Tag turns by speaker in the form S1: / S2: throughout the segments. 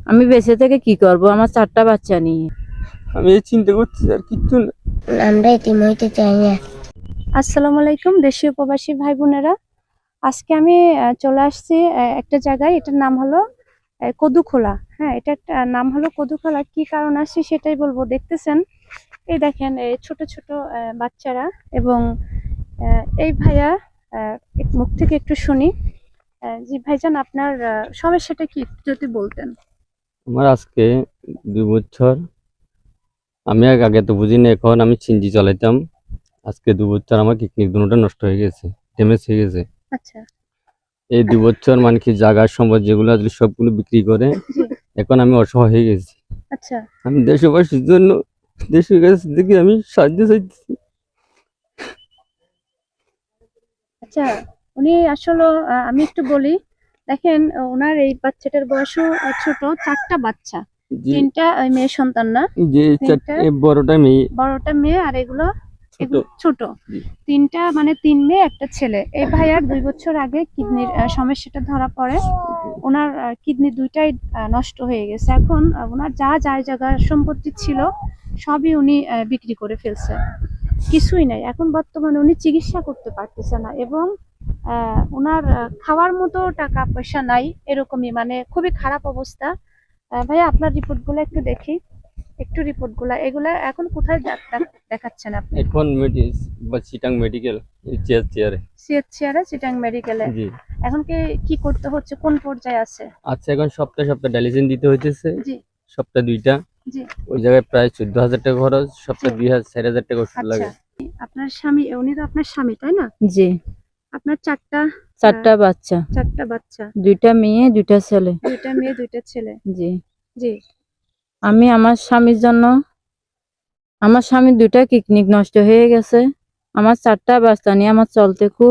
S1: আমি বেঁচে থেকে কি করব আমার 4টা বাচ্চা নিয়ে?
S2: আমি এই চিন্তা করছি আর কিচ্ছু না।
S3: আমরা এতিম হইতে চাই না।
S4: আসসালামু আলাইকুম দেশীয় প্রবাসী ভাই বোনেরা। আজকে আমি চলে আসছি একটা জায়গায়, এটার নাম হলো কদুখোলা। হ্যাঁ, এটা একটা নাম হলো কদুখোলা। কি কারণ আসছে সেটাই বলবো। দেখতেছেন, এই দেখেন এই ছোট ছোট বাচ্চারা এবং এই ভাইয়া মুখ থেকে একটু শুনি। জি ভাইজান, আপনার সমস্যাটা কি একটু যদি বলতেন।
S2: আমার আজকে 2 বছর। আমি আগে তো বুঝিনি, এখন আমি সিনজি চালাইতাম। আজকে 2 বছর আমার কিডনি দুটোটা নষ্ট হয়ে গেছে, ড্যামেজ হয়ে গেছে।
S4: আচ্ছা।
S2: এই 2 বছর মানে কি জায়গার সম্পদ যেগুলো আসলে সবগুলো বিক্রি করে
S4: জি।
S2: এখন আমি অসহায় হয়ে গেছি।
S4: আচ্ছা
S2: আমি দেশবাসীর জন্য দেশের কাছ থেকে আমি সাহায্য চাইতেছি।
S4: আচ্ছা, উনি আসলে আমি একটু বলি। দেখেন, ওনার এই বাচ্চাটার বয়সও ছোট, 4টা বাচ্চা।
S2: যে
S4: 3টা মেয়ে সন্তান না,
S2: যে
S4: 3টা
S2: বড়টা মেয়ে,
S4: বড়টা মেয়ে, আর এগুলো
S2: ছোট।
S4: ছোট।
S2: জি।
S4: 3টা মানে 3 মেয়ে 1 ছেলে। এই ভাইয়ার 2 বছর আগে কিডনির সমস্যাটা ধরা পড়ে। ওনার কিডনি 2টাই নষ্ট হয়ে গেছে। এখন ওনার যা জায়গা সম্পত্তি ছিল সবই উনি বিক্রি করে ফেলছে, কিছুই নাই। এখন বর্তমানে উনি চিকিৎসা করতে পারতেছে না এবং ওনার খাওয়ার মতো টাকা পয়সা নাই, এরকমই মানে খুবই খারাপ অবস্থা। ভাইয়া, আপনার রিপোর্টগুলো একটু দেখি, একটু রিপোর্টগুলো। এগুলা এখন কোথায় ডাক্তার দেখাচ্ছেন আপনি?
S2: এখন চিটাং মেডিকেল চেয়ারে।
S4: সিএইচসিআর চিটাং মেডিকেলে।
S2: জি।
S4: এখন কি করতে হচ্ছে, কোন পর্যায়ে আছে?
S2: আচ্ছা, এখন সপ্তাহে সপ্তাহে ডায়ালিসিস দিতে হইতেছে।
S4: জি
S2: সপ্তাহে 2টা।
S4: জি।
S2: ওই জায়গায় প্রায় 14,000 টাকা খরচ, সপ্তাহে
S4: জি।
S2: 2,000-4,000 টাকা ওষুধ
S4: আচ্ছা,
S2: লাগে।
S4: আপনার স্বামী, উনি তো আপনার স্বামী তাই না?
S1: জি।
S4: আপনার 4টা
S1: বাচ্চা,
S4: 4টা বাচ্চা,
S1: 2টা মেয়ে 2টা ছেলে।
S4: 2টা মেয়ে 2টা ছেলে।
S1: জি।
S4: জি
S1: আমি আমার স্বামীর জন্য, আমার স্বামীর 2টা কিডনি নষ্ট হয়ে গেছে। আমার 4টা বাচ্চা নিয়ে আমার চলতে খুব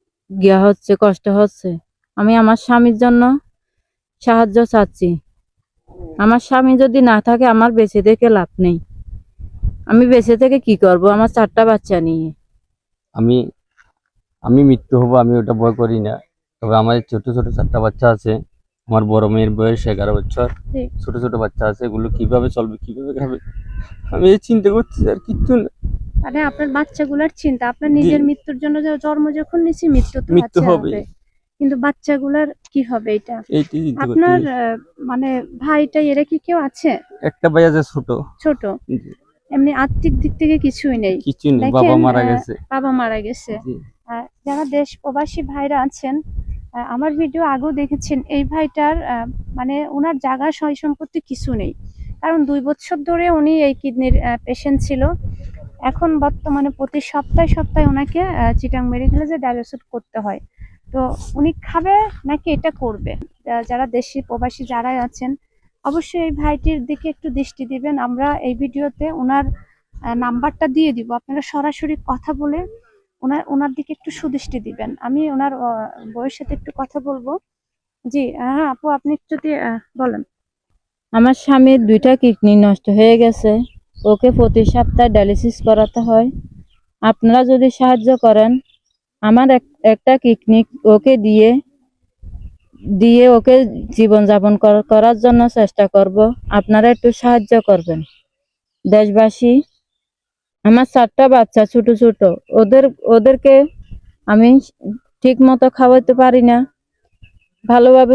S1: কষ্ট হচ্ছে। আমি আমার স্বামীর জন্য সাহায্য চাচ্ছি। আমার স্বামী যদি না থাকে আমার বেঁচে থেকে লাভ নেই। আমি বেঁচে থেকে কি করব আমার 4টা বাচ্চা নিয়ে?
S2: আমি আমি মৃত্যু হব, আমি ওটা ভয় করি না। তবে আমার ছোট ছোট 4টা বাচ্চা আছে। আমার বড় মেয়ের বয়স 11 বছর।
S4: জি।
S2: ছোট ছোট বাচ্চা আছে, এগুলো কিভাবে চলবে, কিভাবে খাবে, আমি এই চিন্তা করছি আর কিচ্ছু না।
S4: মানে আপনার বাচ্চাগুলোর চিন্তা, আপনার
S2: জি।
S4: নিজের মৃত্যুর জন্য জন্ম যখন নিছি, মৃত্যু তো
S2: মৃত্যু
S4: আছে
S2: হবে।
S4: হবে, কিন্তু বাচ্চাগুলার কি হবে এটা?
S2: এইটাই চিন্তা
S4: আপনার
S2: করতেছি।
S4: মানে ভাইটা এরা কি কেউ আছে?
S2: একটা ভাই আছে ছোট।
S4: ছোট।
S2: জি।
S4: এমনি আর্থিক দিক থেকে কিছুই নেই।
S2: কিছু নেই,
S4: দেখেন,
S2: বাবা মারা গেছে।
S4: বাবা মারা গেছে।
S2: জি।
S4: যারা দেশ প্রবাসী ভাইরা আছেন, আমার ভিডিও আগেও দেখেছেন, এই ভাইটার মানে ওনার জায়গা সয় সম্পত্তি কিছু নেই। কারণ 2 বছর ধরে উনি এই কিডনির পেশেন্ট ছিল। এখন বর্তমানে প্রতি সপ্তাহে সপ্তাহে ওনাকে চিটাং মেডিকেলে যে ডায়ালিসিস করতে হয়। তো উনি খাবে নাকি এটা করবে? যারা দেশি প্রবাসী যারা আছেন, অবশ্যই এই ভাইটির দিকে একটু দৃষ্টি দিবেন। আমরা এই ভিডিওতে ওনার নাম্বারটা দিয়ে দিব, আপনারা সরাসরি কথা বলে ওনার দিকে একটু সুদৃষ্টি দিবেন। আমি ওনার বউয়ের সাথে একটু কথা বলবো। জি হ্যাঁ আপু, আপনি একটু যদি বলেন।
S1: আমার স্বামীর 2টা কিডনি নষ্ট হয়ে গেছে, ওকে প্রতি সপ্তাহে ডায়ালিসিস করাতে হয়। আপনারা যদি সাহায্য করেন, আমার একটা কিডনি ওকে দিয়ে ওকে জীবনযাপন করার জন্য চেষ্টা করব। আপনারা একটু সাহায্য করবেন দেশবাসী। আমার 4টা বাচ্চা ছোট ছোট, ওদেরকে আমি ঠিক মতো খাওয়াতে পারি না, ভালোভাবে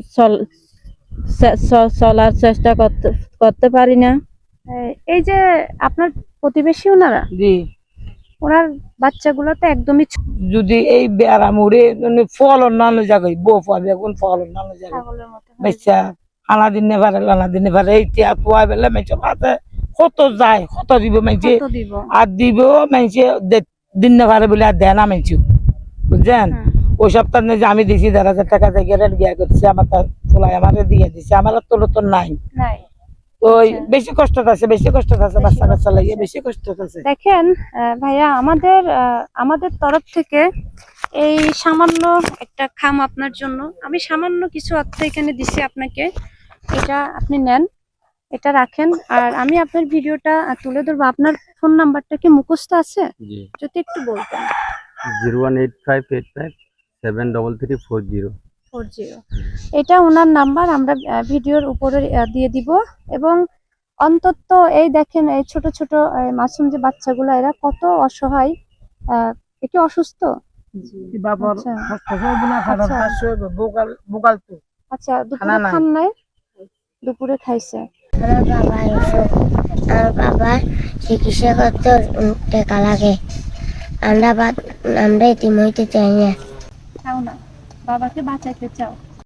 S1: চলার চেষ্টা করতে পারি না।
S4: এই যে আপনার প্রতিবেশী ওনারা,
S5: জি।
S4: ওনার বাচ্চাগুলো তো একদমই
S5: যদি এই বেড়া মুড়ে ফল অন্যান্য জায়গায় বউ পাবে, এখন ফল অন্যান্য জায়গায়
S4: ছাগলের মতো হয়ে
S5: বাচ্চা আনা দিনে পারে লানা দিনে পারে এই তিয়া পোয়া বেলে মেঞ্চে হাতে কত যায়, কত দিব মেঞ্চে
S4: কত দিব?
S5: আর দিব মেঞ্চে দিন না পারে বলে আর দেয় না মেঞ্চে, বুঝছেন? ওই সপ্তাহ যে আমি দিছি 1,500 টাকা থেকে গিয়া করছে, আমার তার চলাই আমার দিয়ে দিছে, আমার তো নতুন নাই।
S4: নাই।
S5: ওই বেশি কষ্ট আছে, বেশি কষ্ট আছে, বাচ্চা কাচ্চা লাগিয়ে বেশি কষ্ট আছে।
S4: দেখেন ভাইয়া, আমাদের তরফ থেকে এই সামান্য একটা খাম আপনার জন্য, আমি সামান্য কিছু অর্থ এখানে দিছি আপনাকে। এটা আপনি নেন, এটা রাখেন। আর আমি আপনার ভিডিওটা তুলে ধরবো। আপনার ফোন নাম্বারটা কি মুখস্থ আছে?
S2: জি।
S4: যদি একটু বলতেন।
S2: 01858573340।
S4: 40। এটা ওনার নাম্বার, আমরা ভিডিওর উপরে দিয়ে দিব। এবং অন্তত এই দেখেন এই ছোট ছোট মাসুম যে বাচ্চাগুলো, এরা কত অসহায়, একটু অসুস্থ।
S5: বাবার
S4: আচ্ছা।
S5: হসপিটাল না খাবার
S4: আচ্ছা।
S5: পাঁচশো বোকাল বোকাল তো
S4: আচ্ছা, দুপুরে
S5: খানা নাই।
S4: খান নাই? দুপুরে খাইছে।
S3: আমার বাবা অসুখ, আমার বাবার চিকিৎসা করতে টাকা লাগে। আমরা এতিম হইতে চাই না।
S4: চাও না, বাবাকে বাঁচাইতে চাও।